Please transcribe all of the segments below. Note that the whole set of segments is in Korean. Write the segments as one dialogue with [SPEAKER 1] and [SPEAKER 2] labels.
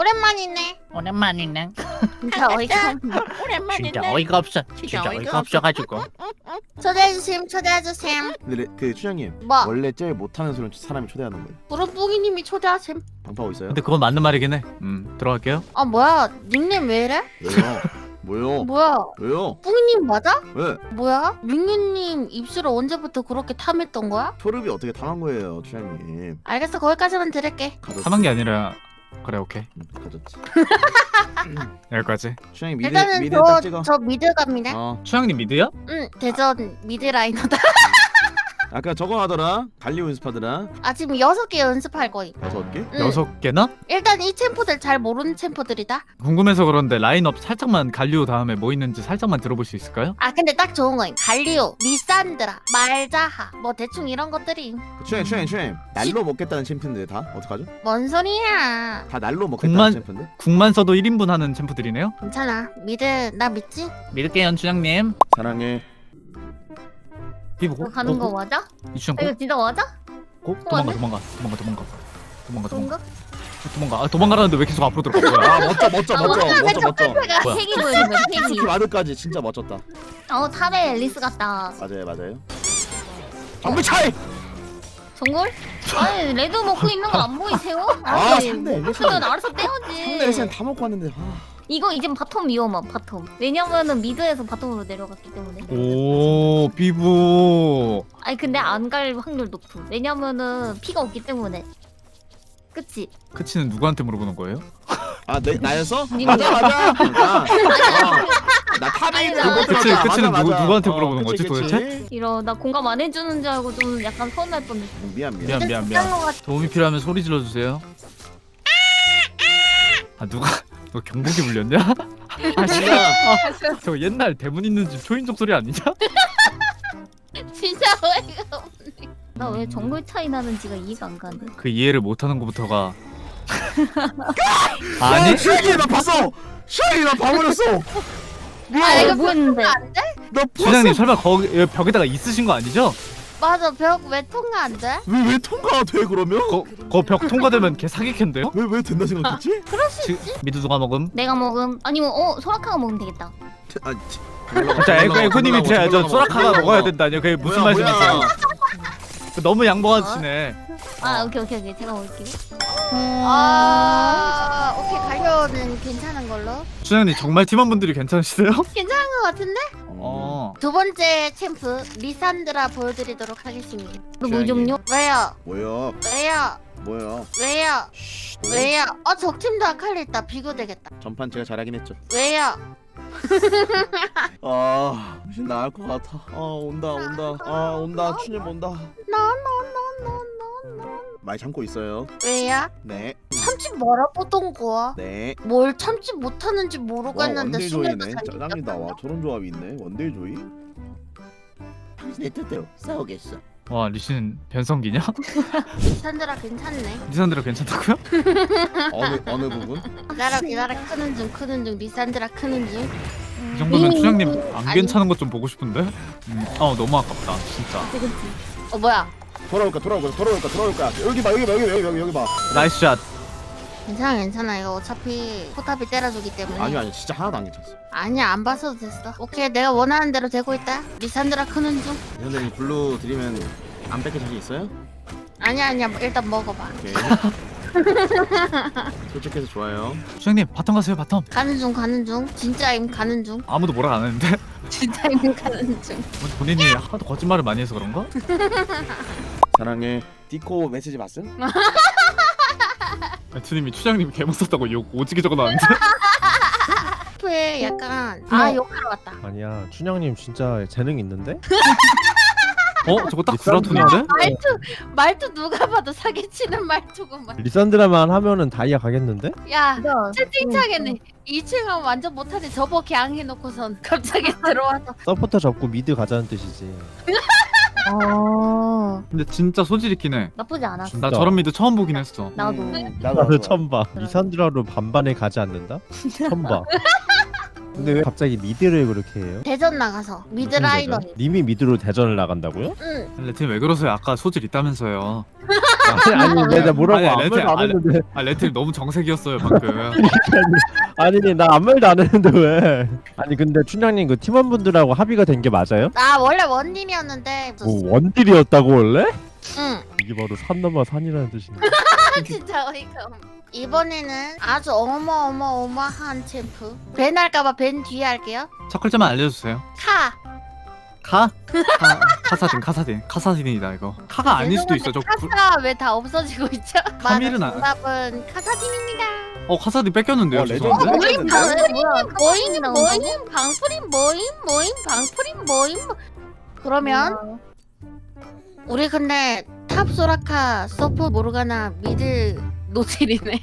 [SPEAKER 1] 오랜만이네.
[SPEAKER 2] 오랜만이네.
[SPEAKER 1] 진짜 어이가 없네.
[SPEAKER 2] 진짜 어이가 없어. 진짜 어이가 없어가지고.
[SPEAKER 1] 초대해주셈, 초대해주셈.
[SPEAKER 3] 근데 그 추장님
[SPEAKER 1] 뭐?
[SPEAKER 3] 원래 제일 못하는 소리는 사람이 초대하는 거예요.
[SPEAKER 1] 부르뿡이님이 초대하셈.
[SPEAKER 3] 방파하고 있어요?
[SPEAKER 4] 근데 그건 맞는 말이긴 해. 들어갈게요.
[SPEAKER 1] 아 뭐야? 닉네임 왜 이래?
[SPEAKER 3] 왜요? 뭐요?
[SPEAKER 1] 뭐야?
[SPEAKER 3] 왜요?
[SPEAKER 1] 뿡이님 맞아?
[SPEAKER 3] 왜?
[SPEAKER 1] 뭐야? 민규님 입술을 언제부터 그렇게 탐했던 거야?
[SPEAKER 3] 소름이 어떻게 당한 거예요, 추장님?
[SPEAKER 1] 알겠어, 거기까지만 들을게.
[SPEAKER 3] 가졌지.
[SPEAKER 4] 참한 게 아니라 그래 오케이
[SPEAKER 3] 가졌지.
[SPEAKER 4] 여기까지.
[SPEAKER 3] 추장님 미드
[SPEAKER 1] 일단은
[SPEAKER 3] 미드 딱 찍어.
[SPEAKER 1] 저 미드 갑니다.
[SPEAKER 4] 추장님 미드야?
[SPEAKER 1] 응, 대전 미드 라이너다.
[SPEAKER 3] 아까 저거 하더라. 갈리오 연습하더라.
[SPEAKER 1] 아 지금 6개 연습할 거임.
[SPEAKER 3] 6개?
[SPEAKER 1] 응.
[SPEAKER 4] 6개나?
[SPEAKER 1] 일단 이 챔프들 잘 모르는 챔프들이다.
[SPEAKER 4] 궁금해서 그런데 라인업 살짝만 갈리오 다음에 뭐 있는지 살짝만 들어볼 수 있을까요?
[SPEAKER 1] 아 근데 딱 좋은 거임. 갈리오, 리산드라, 말자하 뭐 대충 이런 것들이.
[SPEAKER 3] 추장님 날로 먹겠다는 챔프인데 다 어떡하죠?
[SPEAKER 1] 뭔 소리야.
[SPEAKER 3] 다 날로 먹겠다는
[SPEAKER 4] 국만-
[SPEAKER 3] 챔프인데?
[SPEAKER 4] 국만 써도 1인분 하는 챔프들이네요?
[SPEAKER 1] 괜찮아. 미드 나 믿지?
[SPEAKER 4] 믿을게요 추장님.
[SPEAKER 3] 사랑해.
[SPEAKER 4] 비보고
[SPEAKER 1] 너 가는 거 맞아?
[SPEAKER 4] 이추장
[SPEAKER 1] 이거 진짜 맞아?
[SPEAKER 4] 도망가. 도망가라는데 왜 계속 앞으로 들어가? 뭐야?
[SPEAKER 3] 아 멋져.
[SPEAKER 1] 내가
[SPEAKER 4] 뭐야?
[SPEAKER 1] 색이 보이면
[SPEAKER 3] 스키
[SPEAKER 1] 색이.
[SPEAKER 3] 와드까지 진짜 멋졌다.
[SPEAKER 1] 탑에 앨리스 같다.
[SPEAKER 3] 맞아요. 정비 차이.
[SPEAKER 5] 정글? 아니 레드 먹고 있는 거 안 보이세요?
[SPEAKER 3] 아 상대 엘리스.
[SPEAKER 5] 그러면 알아서
[SPEAKER 3] 상대
[SPEAKER 5] 떼야지.
[SPEAKER 3] 엘리스는 다 먹고 왔는데.
[SPEAKER 5] 이거 이젠 바텀 위험함 바텀. 왜냐면은 미드에서 바텀으로 내려갔기 때문에.
[SPEAKER 4] 오 비보.
[SPEAKER 5] 아니 근데 안 갈 확률 높음. 왜냐면은 피가 없기 때문에. 그치?
[SPEAKER 4] 크치는 누구한테 물어보는 거예요?
[SPEAKER 3] 나였어?
[SPEAKER 5] 님들.
[SPEAKER 3] 맞아. 나 탑에 있는
[SPEAKER 5] 아니,
[SPEAKER 3] 못
[SPEAKER 4] 그치,
[SPEAKER 3] 들었다.
[SPEAKER 4] 그치는
[SPEAKER 3] 맞아.
[SPEAKER 4] 누구한테 물어보는 거지,
[SPEAKER 3] 그치.
[SPEAKER 4] 도대체?
[SPEAKER 5] 이러 나 공감 안 해주는 줄 알고 좀 약간 서운할 뻔했어.
[SPEAKER 3] 미안.
[SPEAKER 4] 미안. 도움이 필요하면 소리 질러주세요. 아 누가 너 경복이 불렸냐? 아
[SPEAKER 3] 진짜.
[SPEAKER 4] 저 옛날 대문 있는 집 초인종 소리 아니냐?
[SPEAKER 1] 진짜 어이가 없네.
[SPEAKER 5] 나 왜 정글 차이 나는지가 이해가 안 가네.
[SPEAKER 4] 그 이해를 못하는 것부터가 아니?
[SPEAKER 3] 슈이 나 봤어. 슈이 나 봐버렸어.
[SPEAKER 1] 아 이거
[SPEAKER 5] 뭐 했는데?
[SPEAKER 1] 안 돼?
[SPEAKER 3] 나
[SPEAKER 4] 주장님 설마 거기 여기 벽에다가 있으신 거 아니죠?
[SPEAKER 1] 맞아, 벽 왜 통과 안 돼?
[SPEAKER 3] 왜 통과가 돼 그러면?
[SPEAKER 4] 거 벽 통과되면 걔 사기캔데요?
[SPEAKER 3] 왜 된다 생각했지?
[SPEAKER 1] 그럴 수 있지.
[SPEAKER 4] 미드 누가 먹음?
[SPEAKER 5] 내가 먹음. 아니면 소라카가 먹으면 되겠다.
[SPEAKER 4] 자 에코님이 저 소라카가 먹어야 된다뇨. 그게 무슨 말씀이세요? 너무 양보하시네.
[SPEAKER 5] 아 오케이. 제가 먹을게요.
[SPEAKER 1] 오케이 갈려는 괜찮은 걸로.
[SPEAKER 4] 주장님 정말 팀원분들이 괜찮으시세요?
[SPEAKER 1] 괜찮은 것 같은데? 두 번째 챔프 리산드라 보여드리도록 하겠습니다.
[SPEAKER 5] 물 좀요.
[SPEAKER 1] 왜요?
[SPEAKER 3] 뭐야?
[SPEAKER 1] 왜요? 왜요? 적팀도 아칼리 있다. 비교되겠다.
[SPEAKER 3] 전판 제가 잘하긴 했죠.
[SPEAKER 1] 왜요?
[SPEAKER 3] 훨씬 나을 것 같아. 온다. 추님 온다. 많이 참고 있어요.
[SPEAKER 1] 왜요?
[SPEAKER 3] 네.
[SPEAKER 1] 참지 말아보던 거야.
[SPEAKER 3] 네.
[SPEAKER 1] 뭘 참지 못하는지 모르겠는데
[SPEAKER 3] 원딜
[SPEAKER 1] 순위도
[SPEAKER 3] 조이네. 짜장이다. 와 저런 조합이 있네. 원딜 조이. 당신의 뜻대로 싸우겠어.
[SPEAKER 4] 와 리신 변성기냐?
[SPEAKER 1] 리산드라 괜찮네.
[SPEAKER 4] 리산드라 괜찮다고요?
[SPEAKER 3] 어느 부분?
[SPEAKER 1] 기다려 크는 중 리산드라 크는 중.
[SPEAKER 4] 이 정도면 주장님 안
[SPEAKER 1] 아니.
[SPEAKER 4] 괜찮은 것 좀 보고 싶은데? 너무 아깝다 진짜.
[SPEAKER 5] 그치.
[SPEAKER 1] 뭐야?
[SPEAKER 3] 돌아올까. 여기 봐.
[SPEAKER 4] 나이스 샷.
[SPEAKER 1] 괜찮아. 이거 어차피 포탑이 때려주기 때문에.
[SPEAKER 3] 아니 진짜 하나도 안 괜찮았어.
[SPEAKER 1] 아니야, 안 봐서도 됐어. 오케이, 내가 원하는 대로 되고 있다. 리산드라 크는 중.
[SPEAKER 3] 선생님 블루 드리면 안 뺏길 자신 있어요?
[SPEAKER 1] 아니야, 일단 먹어봐.
[SPEAKER 3] 오케이. 솔직해서 좋아요.
[SPEAKER 4] 주장님 바텀 가세요 바텀.
[SPEAKER 1] 가는 중. 진짜임 가는 중.
[SPEAKER 4] 아무도 뭐라 안 하는데?
[SPEAKER 1] 진짜임 가는 중.
[SPEAKER 4] 본인이 하도 거짓말을 많이 해서 그런가?
[SPEAKER 3] 사랑해. 디코 메시지 봤음?
[SPEAKER 4] 배트님이 추장님 개못 썼다고 욕 오지게 적어놨는데?
[SPEAKER 1] 에 약간 욕하러 왔다.
[SPEAKER 6] 아니야 춘향님 진짜 재능 있는데?
[SPEAKER 4] 저거 딱 구라톤인데?
[SPEAKER 1] 말투 누가 봐도 사기치는 말투구만.
[SPEAKER 6] 리산드라만 하면은 다이아 가겠는데?
[SPEAKER 1] 야,
[SPEAKER 5] 진짜.
[SPEAKER 1] 채팅창에는 2층은 완전 못하네. 저거 갱 해놓고선 갑자기 들어와서.
[SPEAKER 6] 서포터 접고 미드 가자는 뜻이지.
[SPEAKER 4] 근데 진짜 소질 있긴 해.
[SPEAKER 5] 나쁘지 않았어.
[SPEAKER 4] 나 저런 미드 처음 보긴 했어.
[SPEAKER 5] 나도.
[SPEAKER 6] 나도 처음 봐. 리산드라로 반반에 가지 않는다? 처음 봐. 근데 왜 갑자기 미드를 그렇게 해요?
[SPEAKER 1] 대전 나가서 미드
[SPEAKER 6] 무슨
[SPEAKER 1] 라이너.
[SPEAKER 6] 대전? 님이 미드로 대전을 나간다고요?
[SPEAKER 1] 응.
[SPEAKER 4] 레트님 왜 그러세요? 아까 소질 있다면서요.
[SPEAKER 6] 아니 내가 뭐라고
[SPEAKER 4] 아니,
[SPEAKER 6] 아무
[SPEAKER 4] 레트님,
[SPEAKER 6] 말도 안 했는데.
[SPEAKER 4] 아 레트님 너무 정색이었어요 방금.
[SPEAKER 6] 아니 나 아무 말도 안 했는데 왜? 아니 근데 춘향님 그 팀원분들하고 합의가 된 게 맞아요?
[SPEAKER 1] 나 원래 원딜이었는데.
[SPEAKER 6] 뭐 원딜이었다고 원래?
[SPEAKER 1] 응.
[SPEAKER 6] 이게 바로 산 넘어 산이라는 뜻인데.
[SPEAKER 1] 진짜 어이가 없네. 이번에는 아주 어마어마한 챔프. 벤 할까봐 벤 뒤에 할게요.
[SPEAKER 4] 첫 글자만 알려주세요.
[SPEAKER 1] 카.
[SPEAKER 4] 카? 카사딘이다 이거. 카가 아닐 수도 있어. 저
[SPEAKER 1] 카사 왜 다 없어지고 있죠?
[SPEAKER 4] 카밀은
[SPEAKER 1] 맞아, 정답은 카사딘입니다.
[SPEAKER 4] 카사딘 뺏겼는데요.
[SPEAKER 3] 레전드.
[SPEAKER 4] 죄송한데.
[SPEAKER 1] 모임 방풀임 모임 방풀임 모임. 그러면 우리 근데 탑 소라카 서포 모르가나 미드 노틸이네.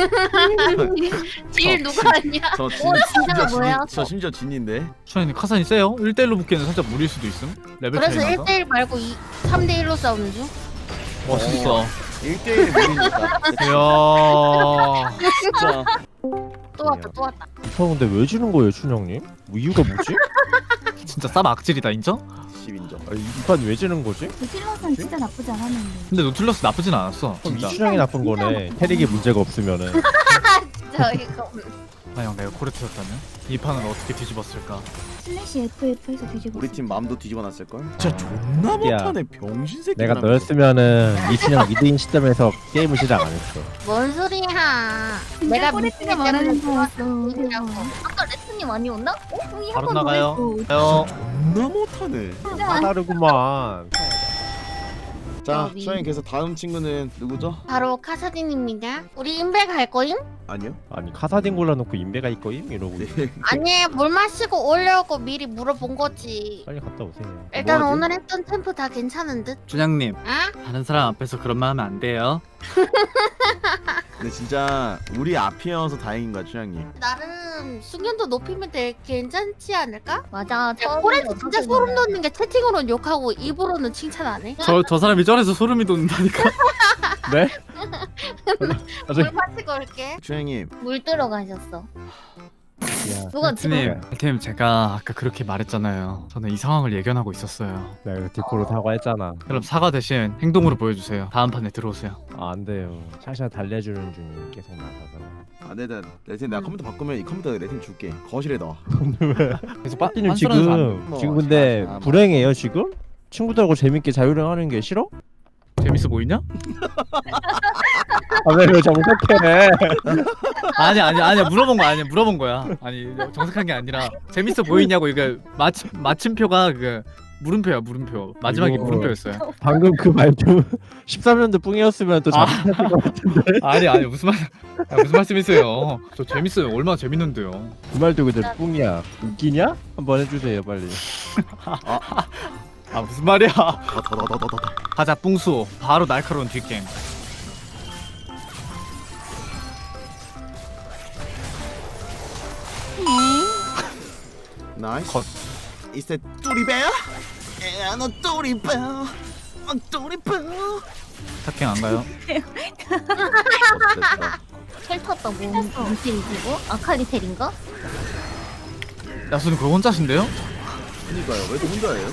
[SPEAKER 1] 딜 누가 하냐?
[SPEAKER 3] 저
[SPEAKER 5] 진짜가 뭐야?
[SPEAKER 3] 저 심지어 진인데.
[SPEAKER 4] 춘향님 카사딘 세요? 1대1로 붙기에는 살짝 무리일 수도 있음. 레벨
[SPEAKER 1] 그래서
[SPEAKER 4] 차이 나서.
[SPEAKER 1] 1대1 말고 3대1로 싸우는 중.
[SPEAKER 4] 와 진짜.
[SPEAKER 3] 1대1 무리니까.
[SPEAKER 4] 이야.
[SPEAKER 3] 진짜.
[SPEAKER 1] 또 왔다 또 왔다.
[SPEAKER 6] 저 근데 왜 주는 거예요 춘향님? 뭐 이유가 뭐지?
[SPEAKER 4] 진짜 쌈 악질이다 인정?
[SPEAKER 3] 10인정.
[SPEAKER 6] 이판 왜 주는 거지?
[SPEAKER 5] 실로선 진짜 나쁘지 않았는데.
[SPEAKER 4] 근데 노틸러스 나쁘진 않았어.
[SPEAKER 6] 그럼 이
[SPEAKER 4] 진짜.
[SPEAKER 6] 춘향이 나쁜 거네. 캐릭에 문제가 없으면은.
[SPEAKER 1] 진짜 어이가 없네.
[SPEAKER 4] 형 내가 코레트였다면 이 판은 어떻게 뒤집었을까?
[SPEAKER 5] 슬래시 FF에서 뒤집어.
[SPEAKER 3] 우리 팀 마음도 뒤집어놨을 걸. 진짜 존나
[SPEAKER 6] 야.
[SPEAKER 3] 못하네 병신 새끼.
[SPEAKER 6] 내가 너였으면은 이춘향 미드인 시점에서 게임을 시작 안 했어.
[SPEAKER 1] 뭔 소리야? 내가
[SPEAKER 5] 꼬리띠가
[SPEAKER 1] 미드
[SPEAKER 5] 말하는
[SPEAKER 1] 때문에
[SPEAKER 5] 거였어.
[SPEAKER 1] 좋았어.
[SPEAKER 5] 아까 레트님 아니었나? 형이
[SPEAKER 4] 바로
[SPEAKER 5] 한번
[SPEAKER 4] 나가요.
[SPEAKER 3] 존나 못하네.
[SPEAKER 6] 까다르구만.
[SPEAKER 3] 자,
[SPEAKER 1] 여기.
[SPEAKER 3] 수영이 그래서 다음 친구는 누구죠?
[SPEAKER 1] 바로 카사딘입니다. 우리 인베 갈 거임?
[SPEAKER 3] 아니요.
[SPEAKER 6] 아니 카사딘 골라놓고 인베가 있거임 이러고
[SPEAKER 3] 네.
[SPEAKER 1] 아니 물 마시고 오려고 미리 물어본 거지.
[SPEAKER 6] 빨리 갔다 오세요.
[SPEAKER 1] 일단
[SPEAKER 3] 뭐하지?
[SPEAKER 1] 오늘 했던 템프 다 괜찮은 듯?
[SPEAKER 4] 준양님
[SPEAKER 1] 아?
[SPEAKER 4] 다른 사람 앞에서 그런 말 하면 안 돼요.
[SPEAKER 3] 근데 진짜 우리 앞이어서 다행인 거야, 춘향님.
[SPEAKER 1] 나름 숙련도 높이면 되 괜찮지 않을까?
[SPEAKER 5] 맞아.
[SPEAKER 1] 코레트 진짜 소름 돋는 게 채팅으로는 욕하고 입으로는 칭찬 안 해?
[SPEAKER 4] 저 사람이 저래서 소름이 돋는다니까.
[SPEAKER 6] 네?
[SPEAKER 1] 물 마시고 올게.
[SPEAKER 3] 춘향님.
[SPEAKER 5] 물 들어가셨어.
[SPEAKER 6] 야,
[SPEAKER 5] 누가
[SPEAKER 4] 팀님, 팀 제가 아까 그렇게 말했잖아요. 저는 이 상황을 예견하고 있었어요.
[SPEAKER 6] 내가 이거 디코로 사과했잖아.
[SPEAKER 4] 그럼 사과 대신 행동으로 보여주세요. 다음 판에 들어오세요.
[SPEAKER 6] 아, 안 돼요. 샤샤 달래주는 중이 계속 나가서.
[SPEAKER 3] 아, 레튼 내가 컴퓨터 바꾸면 이 컴퓨터 레튼 줄게. 거실에 넣어.
[SPEAKER 4] 계속
[SPEAKER 6] 빠띠님
[SPEAKER 4] 빤스러면서 안 돼.
[SPEAKER 3] 뭐,
[SPEAKER 6] 지금 근데
[SPEAKER 3] 뭐.
[SPEAKER 6] 불행해요 지금? 친구들하고 재밌게 자유여행하는 게 싫어?
[SPEAKER 4] 재밌어 보이냐?
[SPEAKER 6] 아, 왜 정색해?
[SPEAKER 4] 아니야 물어본 거 아니야 물어본 거야. 아니 정색한 게 아니라 재밌어 보이냐고. 이거 마침표가 그 물음표야 물음표. 마지막에
[SPEAKER 6] 이거-
[SPEAKER 4] 물음표였어요.
[SPEAKER 6] 방금 그 말도 13년도 뿡이었으면 또 잘못했을 것 같은데.
[SPEAKER 4] 아니 무슨 말씀이세요? 저 재밌어요. 얼마나 재밌는데요.
[SPEAKER 6] 그 말도 그대로 뿡이야. 웃기냐? 한번 해주세요 빨리.
[SPEAKER 4] 아 무슨 말이야?
[SPEAKER 3] 더.
[SPEAKER 4] 가자 뿡수. 바로 날카로운 뒷갱.
[SPEAKER 3] 나이스.
[SPEAKER 4] 컷.
[SPEAKER 3] Is that 뚜리베어? 너 뚜리베어. 뚜리베어.
[SPEAKER 4] 탑갱 안 가요?
[SPEAKER 5] 텔 탔다 뭔 텔이고? 아칼리텔인가?
[SPEAKER 4] 야수는 그거 혼자신데요?
[SPEAKER 3] 그니까요. 왜 또 혼자예요?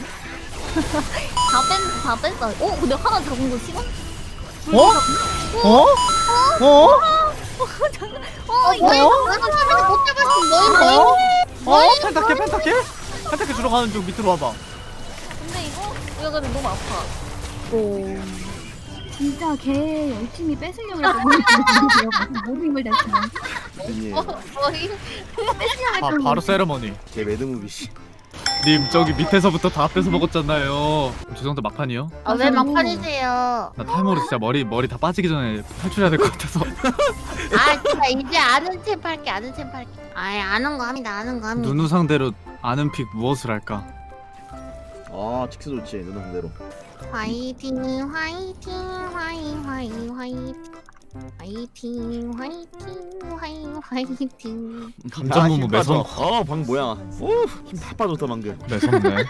[SPEAKER 5] 다 뺐어. 근데 하나 잡은 거 싫어?
[SPEAKER 1] 뭐야? 못 잡았어. 뭐임?
[SPEAKER 4] 펜타케 주러 가는 중. 밑으로 와봐.
[SPEAKER 5] 근데 이거 근데 너무 아파. 진짜 걔 열심히 뺏으려고 했는데 모든 힘을 냈으면
[SPEAKER 3] 아니,
[SPEAKER 1] 뭐임?
[SPEAKER 4] 바로 세레머니.
[SPEAKER 3] 제 매드무비 씨.
[SPEAKER 4] 님 저기 밑에서부터 다 뺏어 먹었잖아요. 죄송한데 막판이요?
[SPEAKER 1] 아, 왜 막판이세요?
[SPEAKER 4] 나 타이머로 진짜 머리 다 빠지기 전에 탈출해야 될 것 같아서.
[SPEAKER 1] 아, 진짜 이제 아는 챔프 할게. 아예 아는 거 합니다.
[SPEAKER 4] 누누 상대로 아는 픽 무엇을 할까?
[SPEAKER 3] 아, 직스 좋지. 누나 상대로.
[SPEAKER 1] 화이팅 화이팅
[SPEAKER 4] 감정무무 매선.
[SPEAKER 3] 방금 뭐야? 오, 힘 다 빠졌다 방금.
[SPEAKER 4] 매섭네.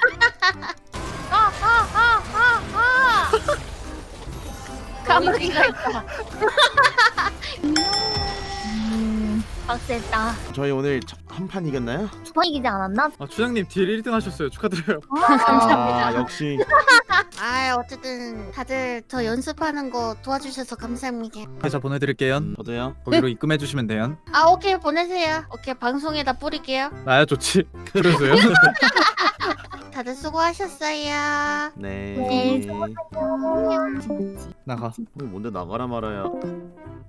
[SPEAKER 1] 까마귀가 있다.
[SPEAKER 5] 빡셌다.
[SPEAKER 3] 저희 오늘 한 판 이겼나요?
[SPEAKER 5] 두번 이기지 않았나?
[SPEAKER 4] 아 추장님 딜 1등 하셨어요. 축하드려요.
[SPEAKER 1] 감사합니다.
[SPEAKER 3] 아 역시
[SPEAKER 1] 아 어쨌든 다들 저 연습하는 거 도와주셔서 감사합니다.
[SPEAKER 4] 회사 보내드릴게요.
[SPEAKER 3] 저도요.
[SPEAKER 4] 거기로 입금해주시면 돼요.
[SPEAKER 1] 아 오케이 보내세요. 오케이 방송에다 뿌릴게요.
[SPEAKER 4] 나야 좋지. 그래서요.
[SPEAKER 1] 다들 수고하셨어요.
[SPEAKER 3] 네.
[SPEAKER 5] 네,
[SPEAKER 4] 나가.
[SPEAKER 3] 뭔데 나가라 말아야.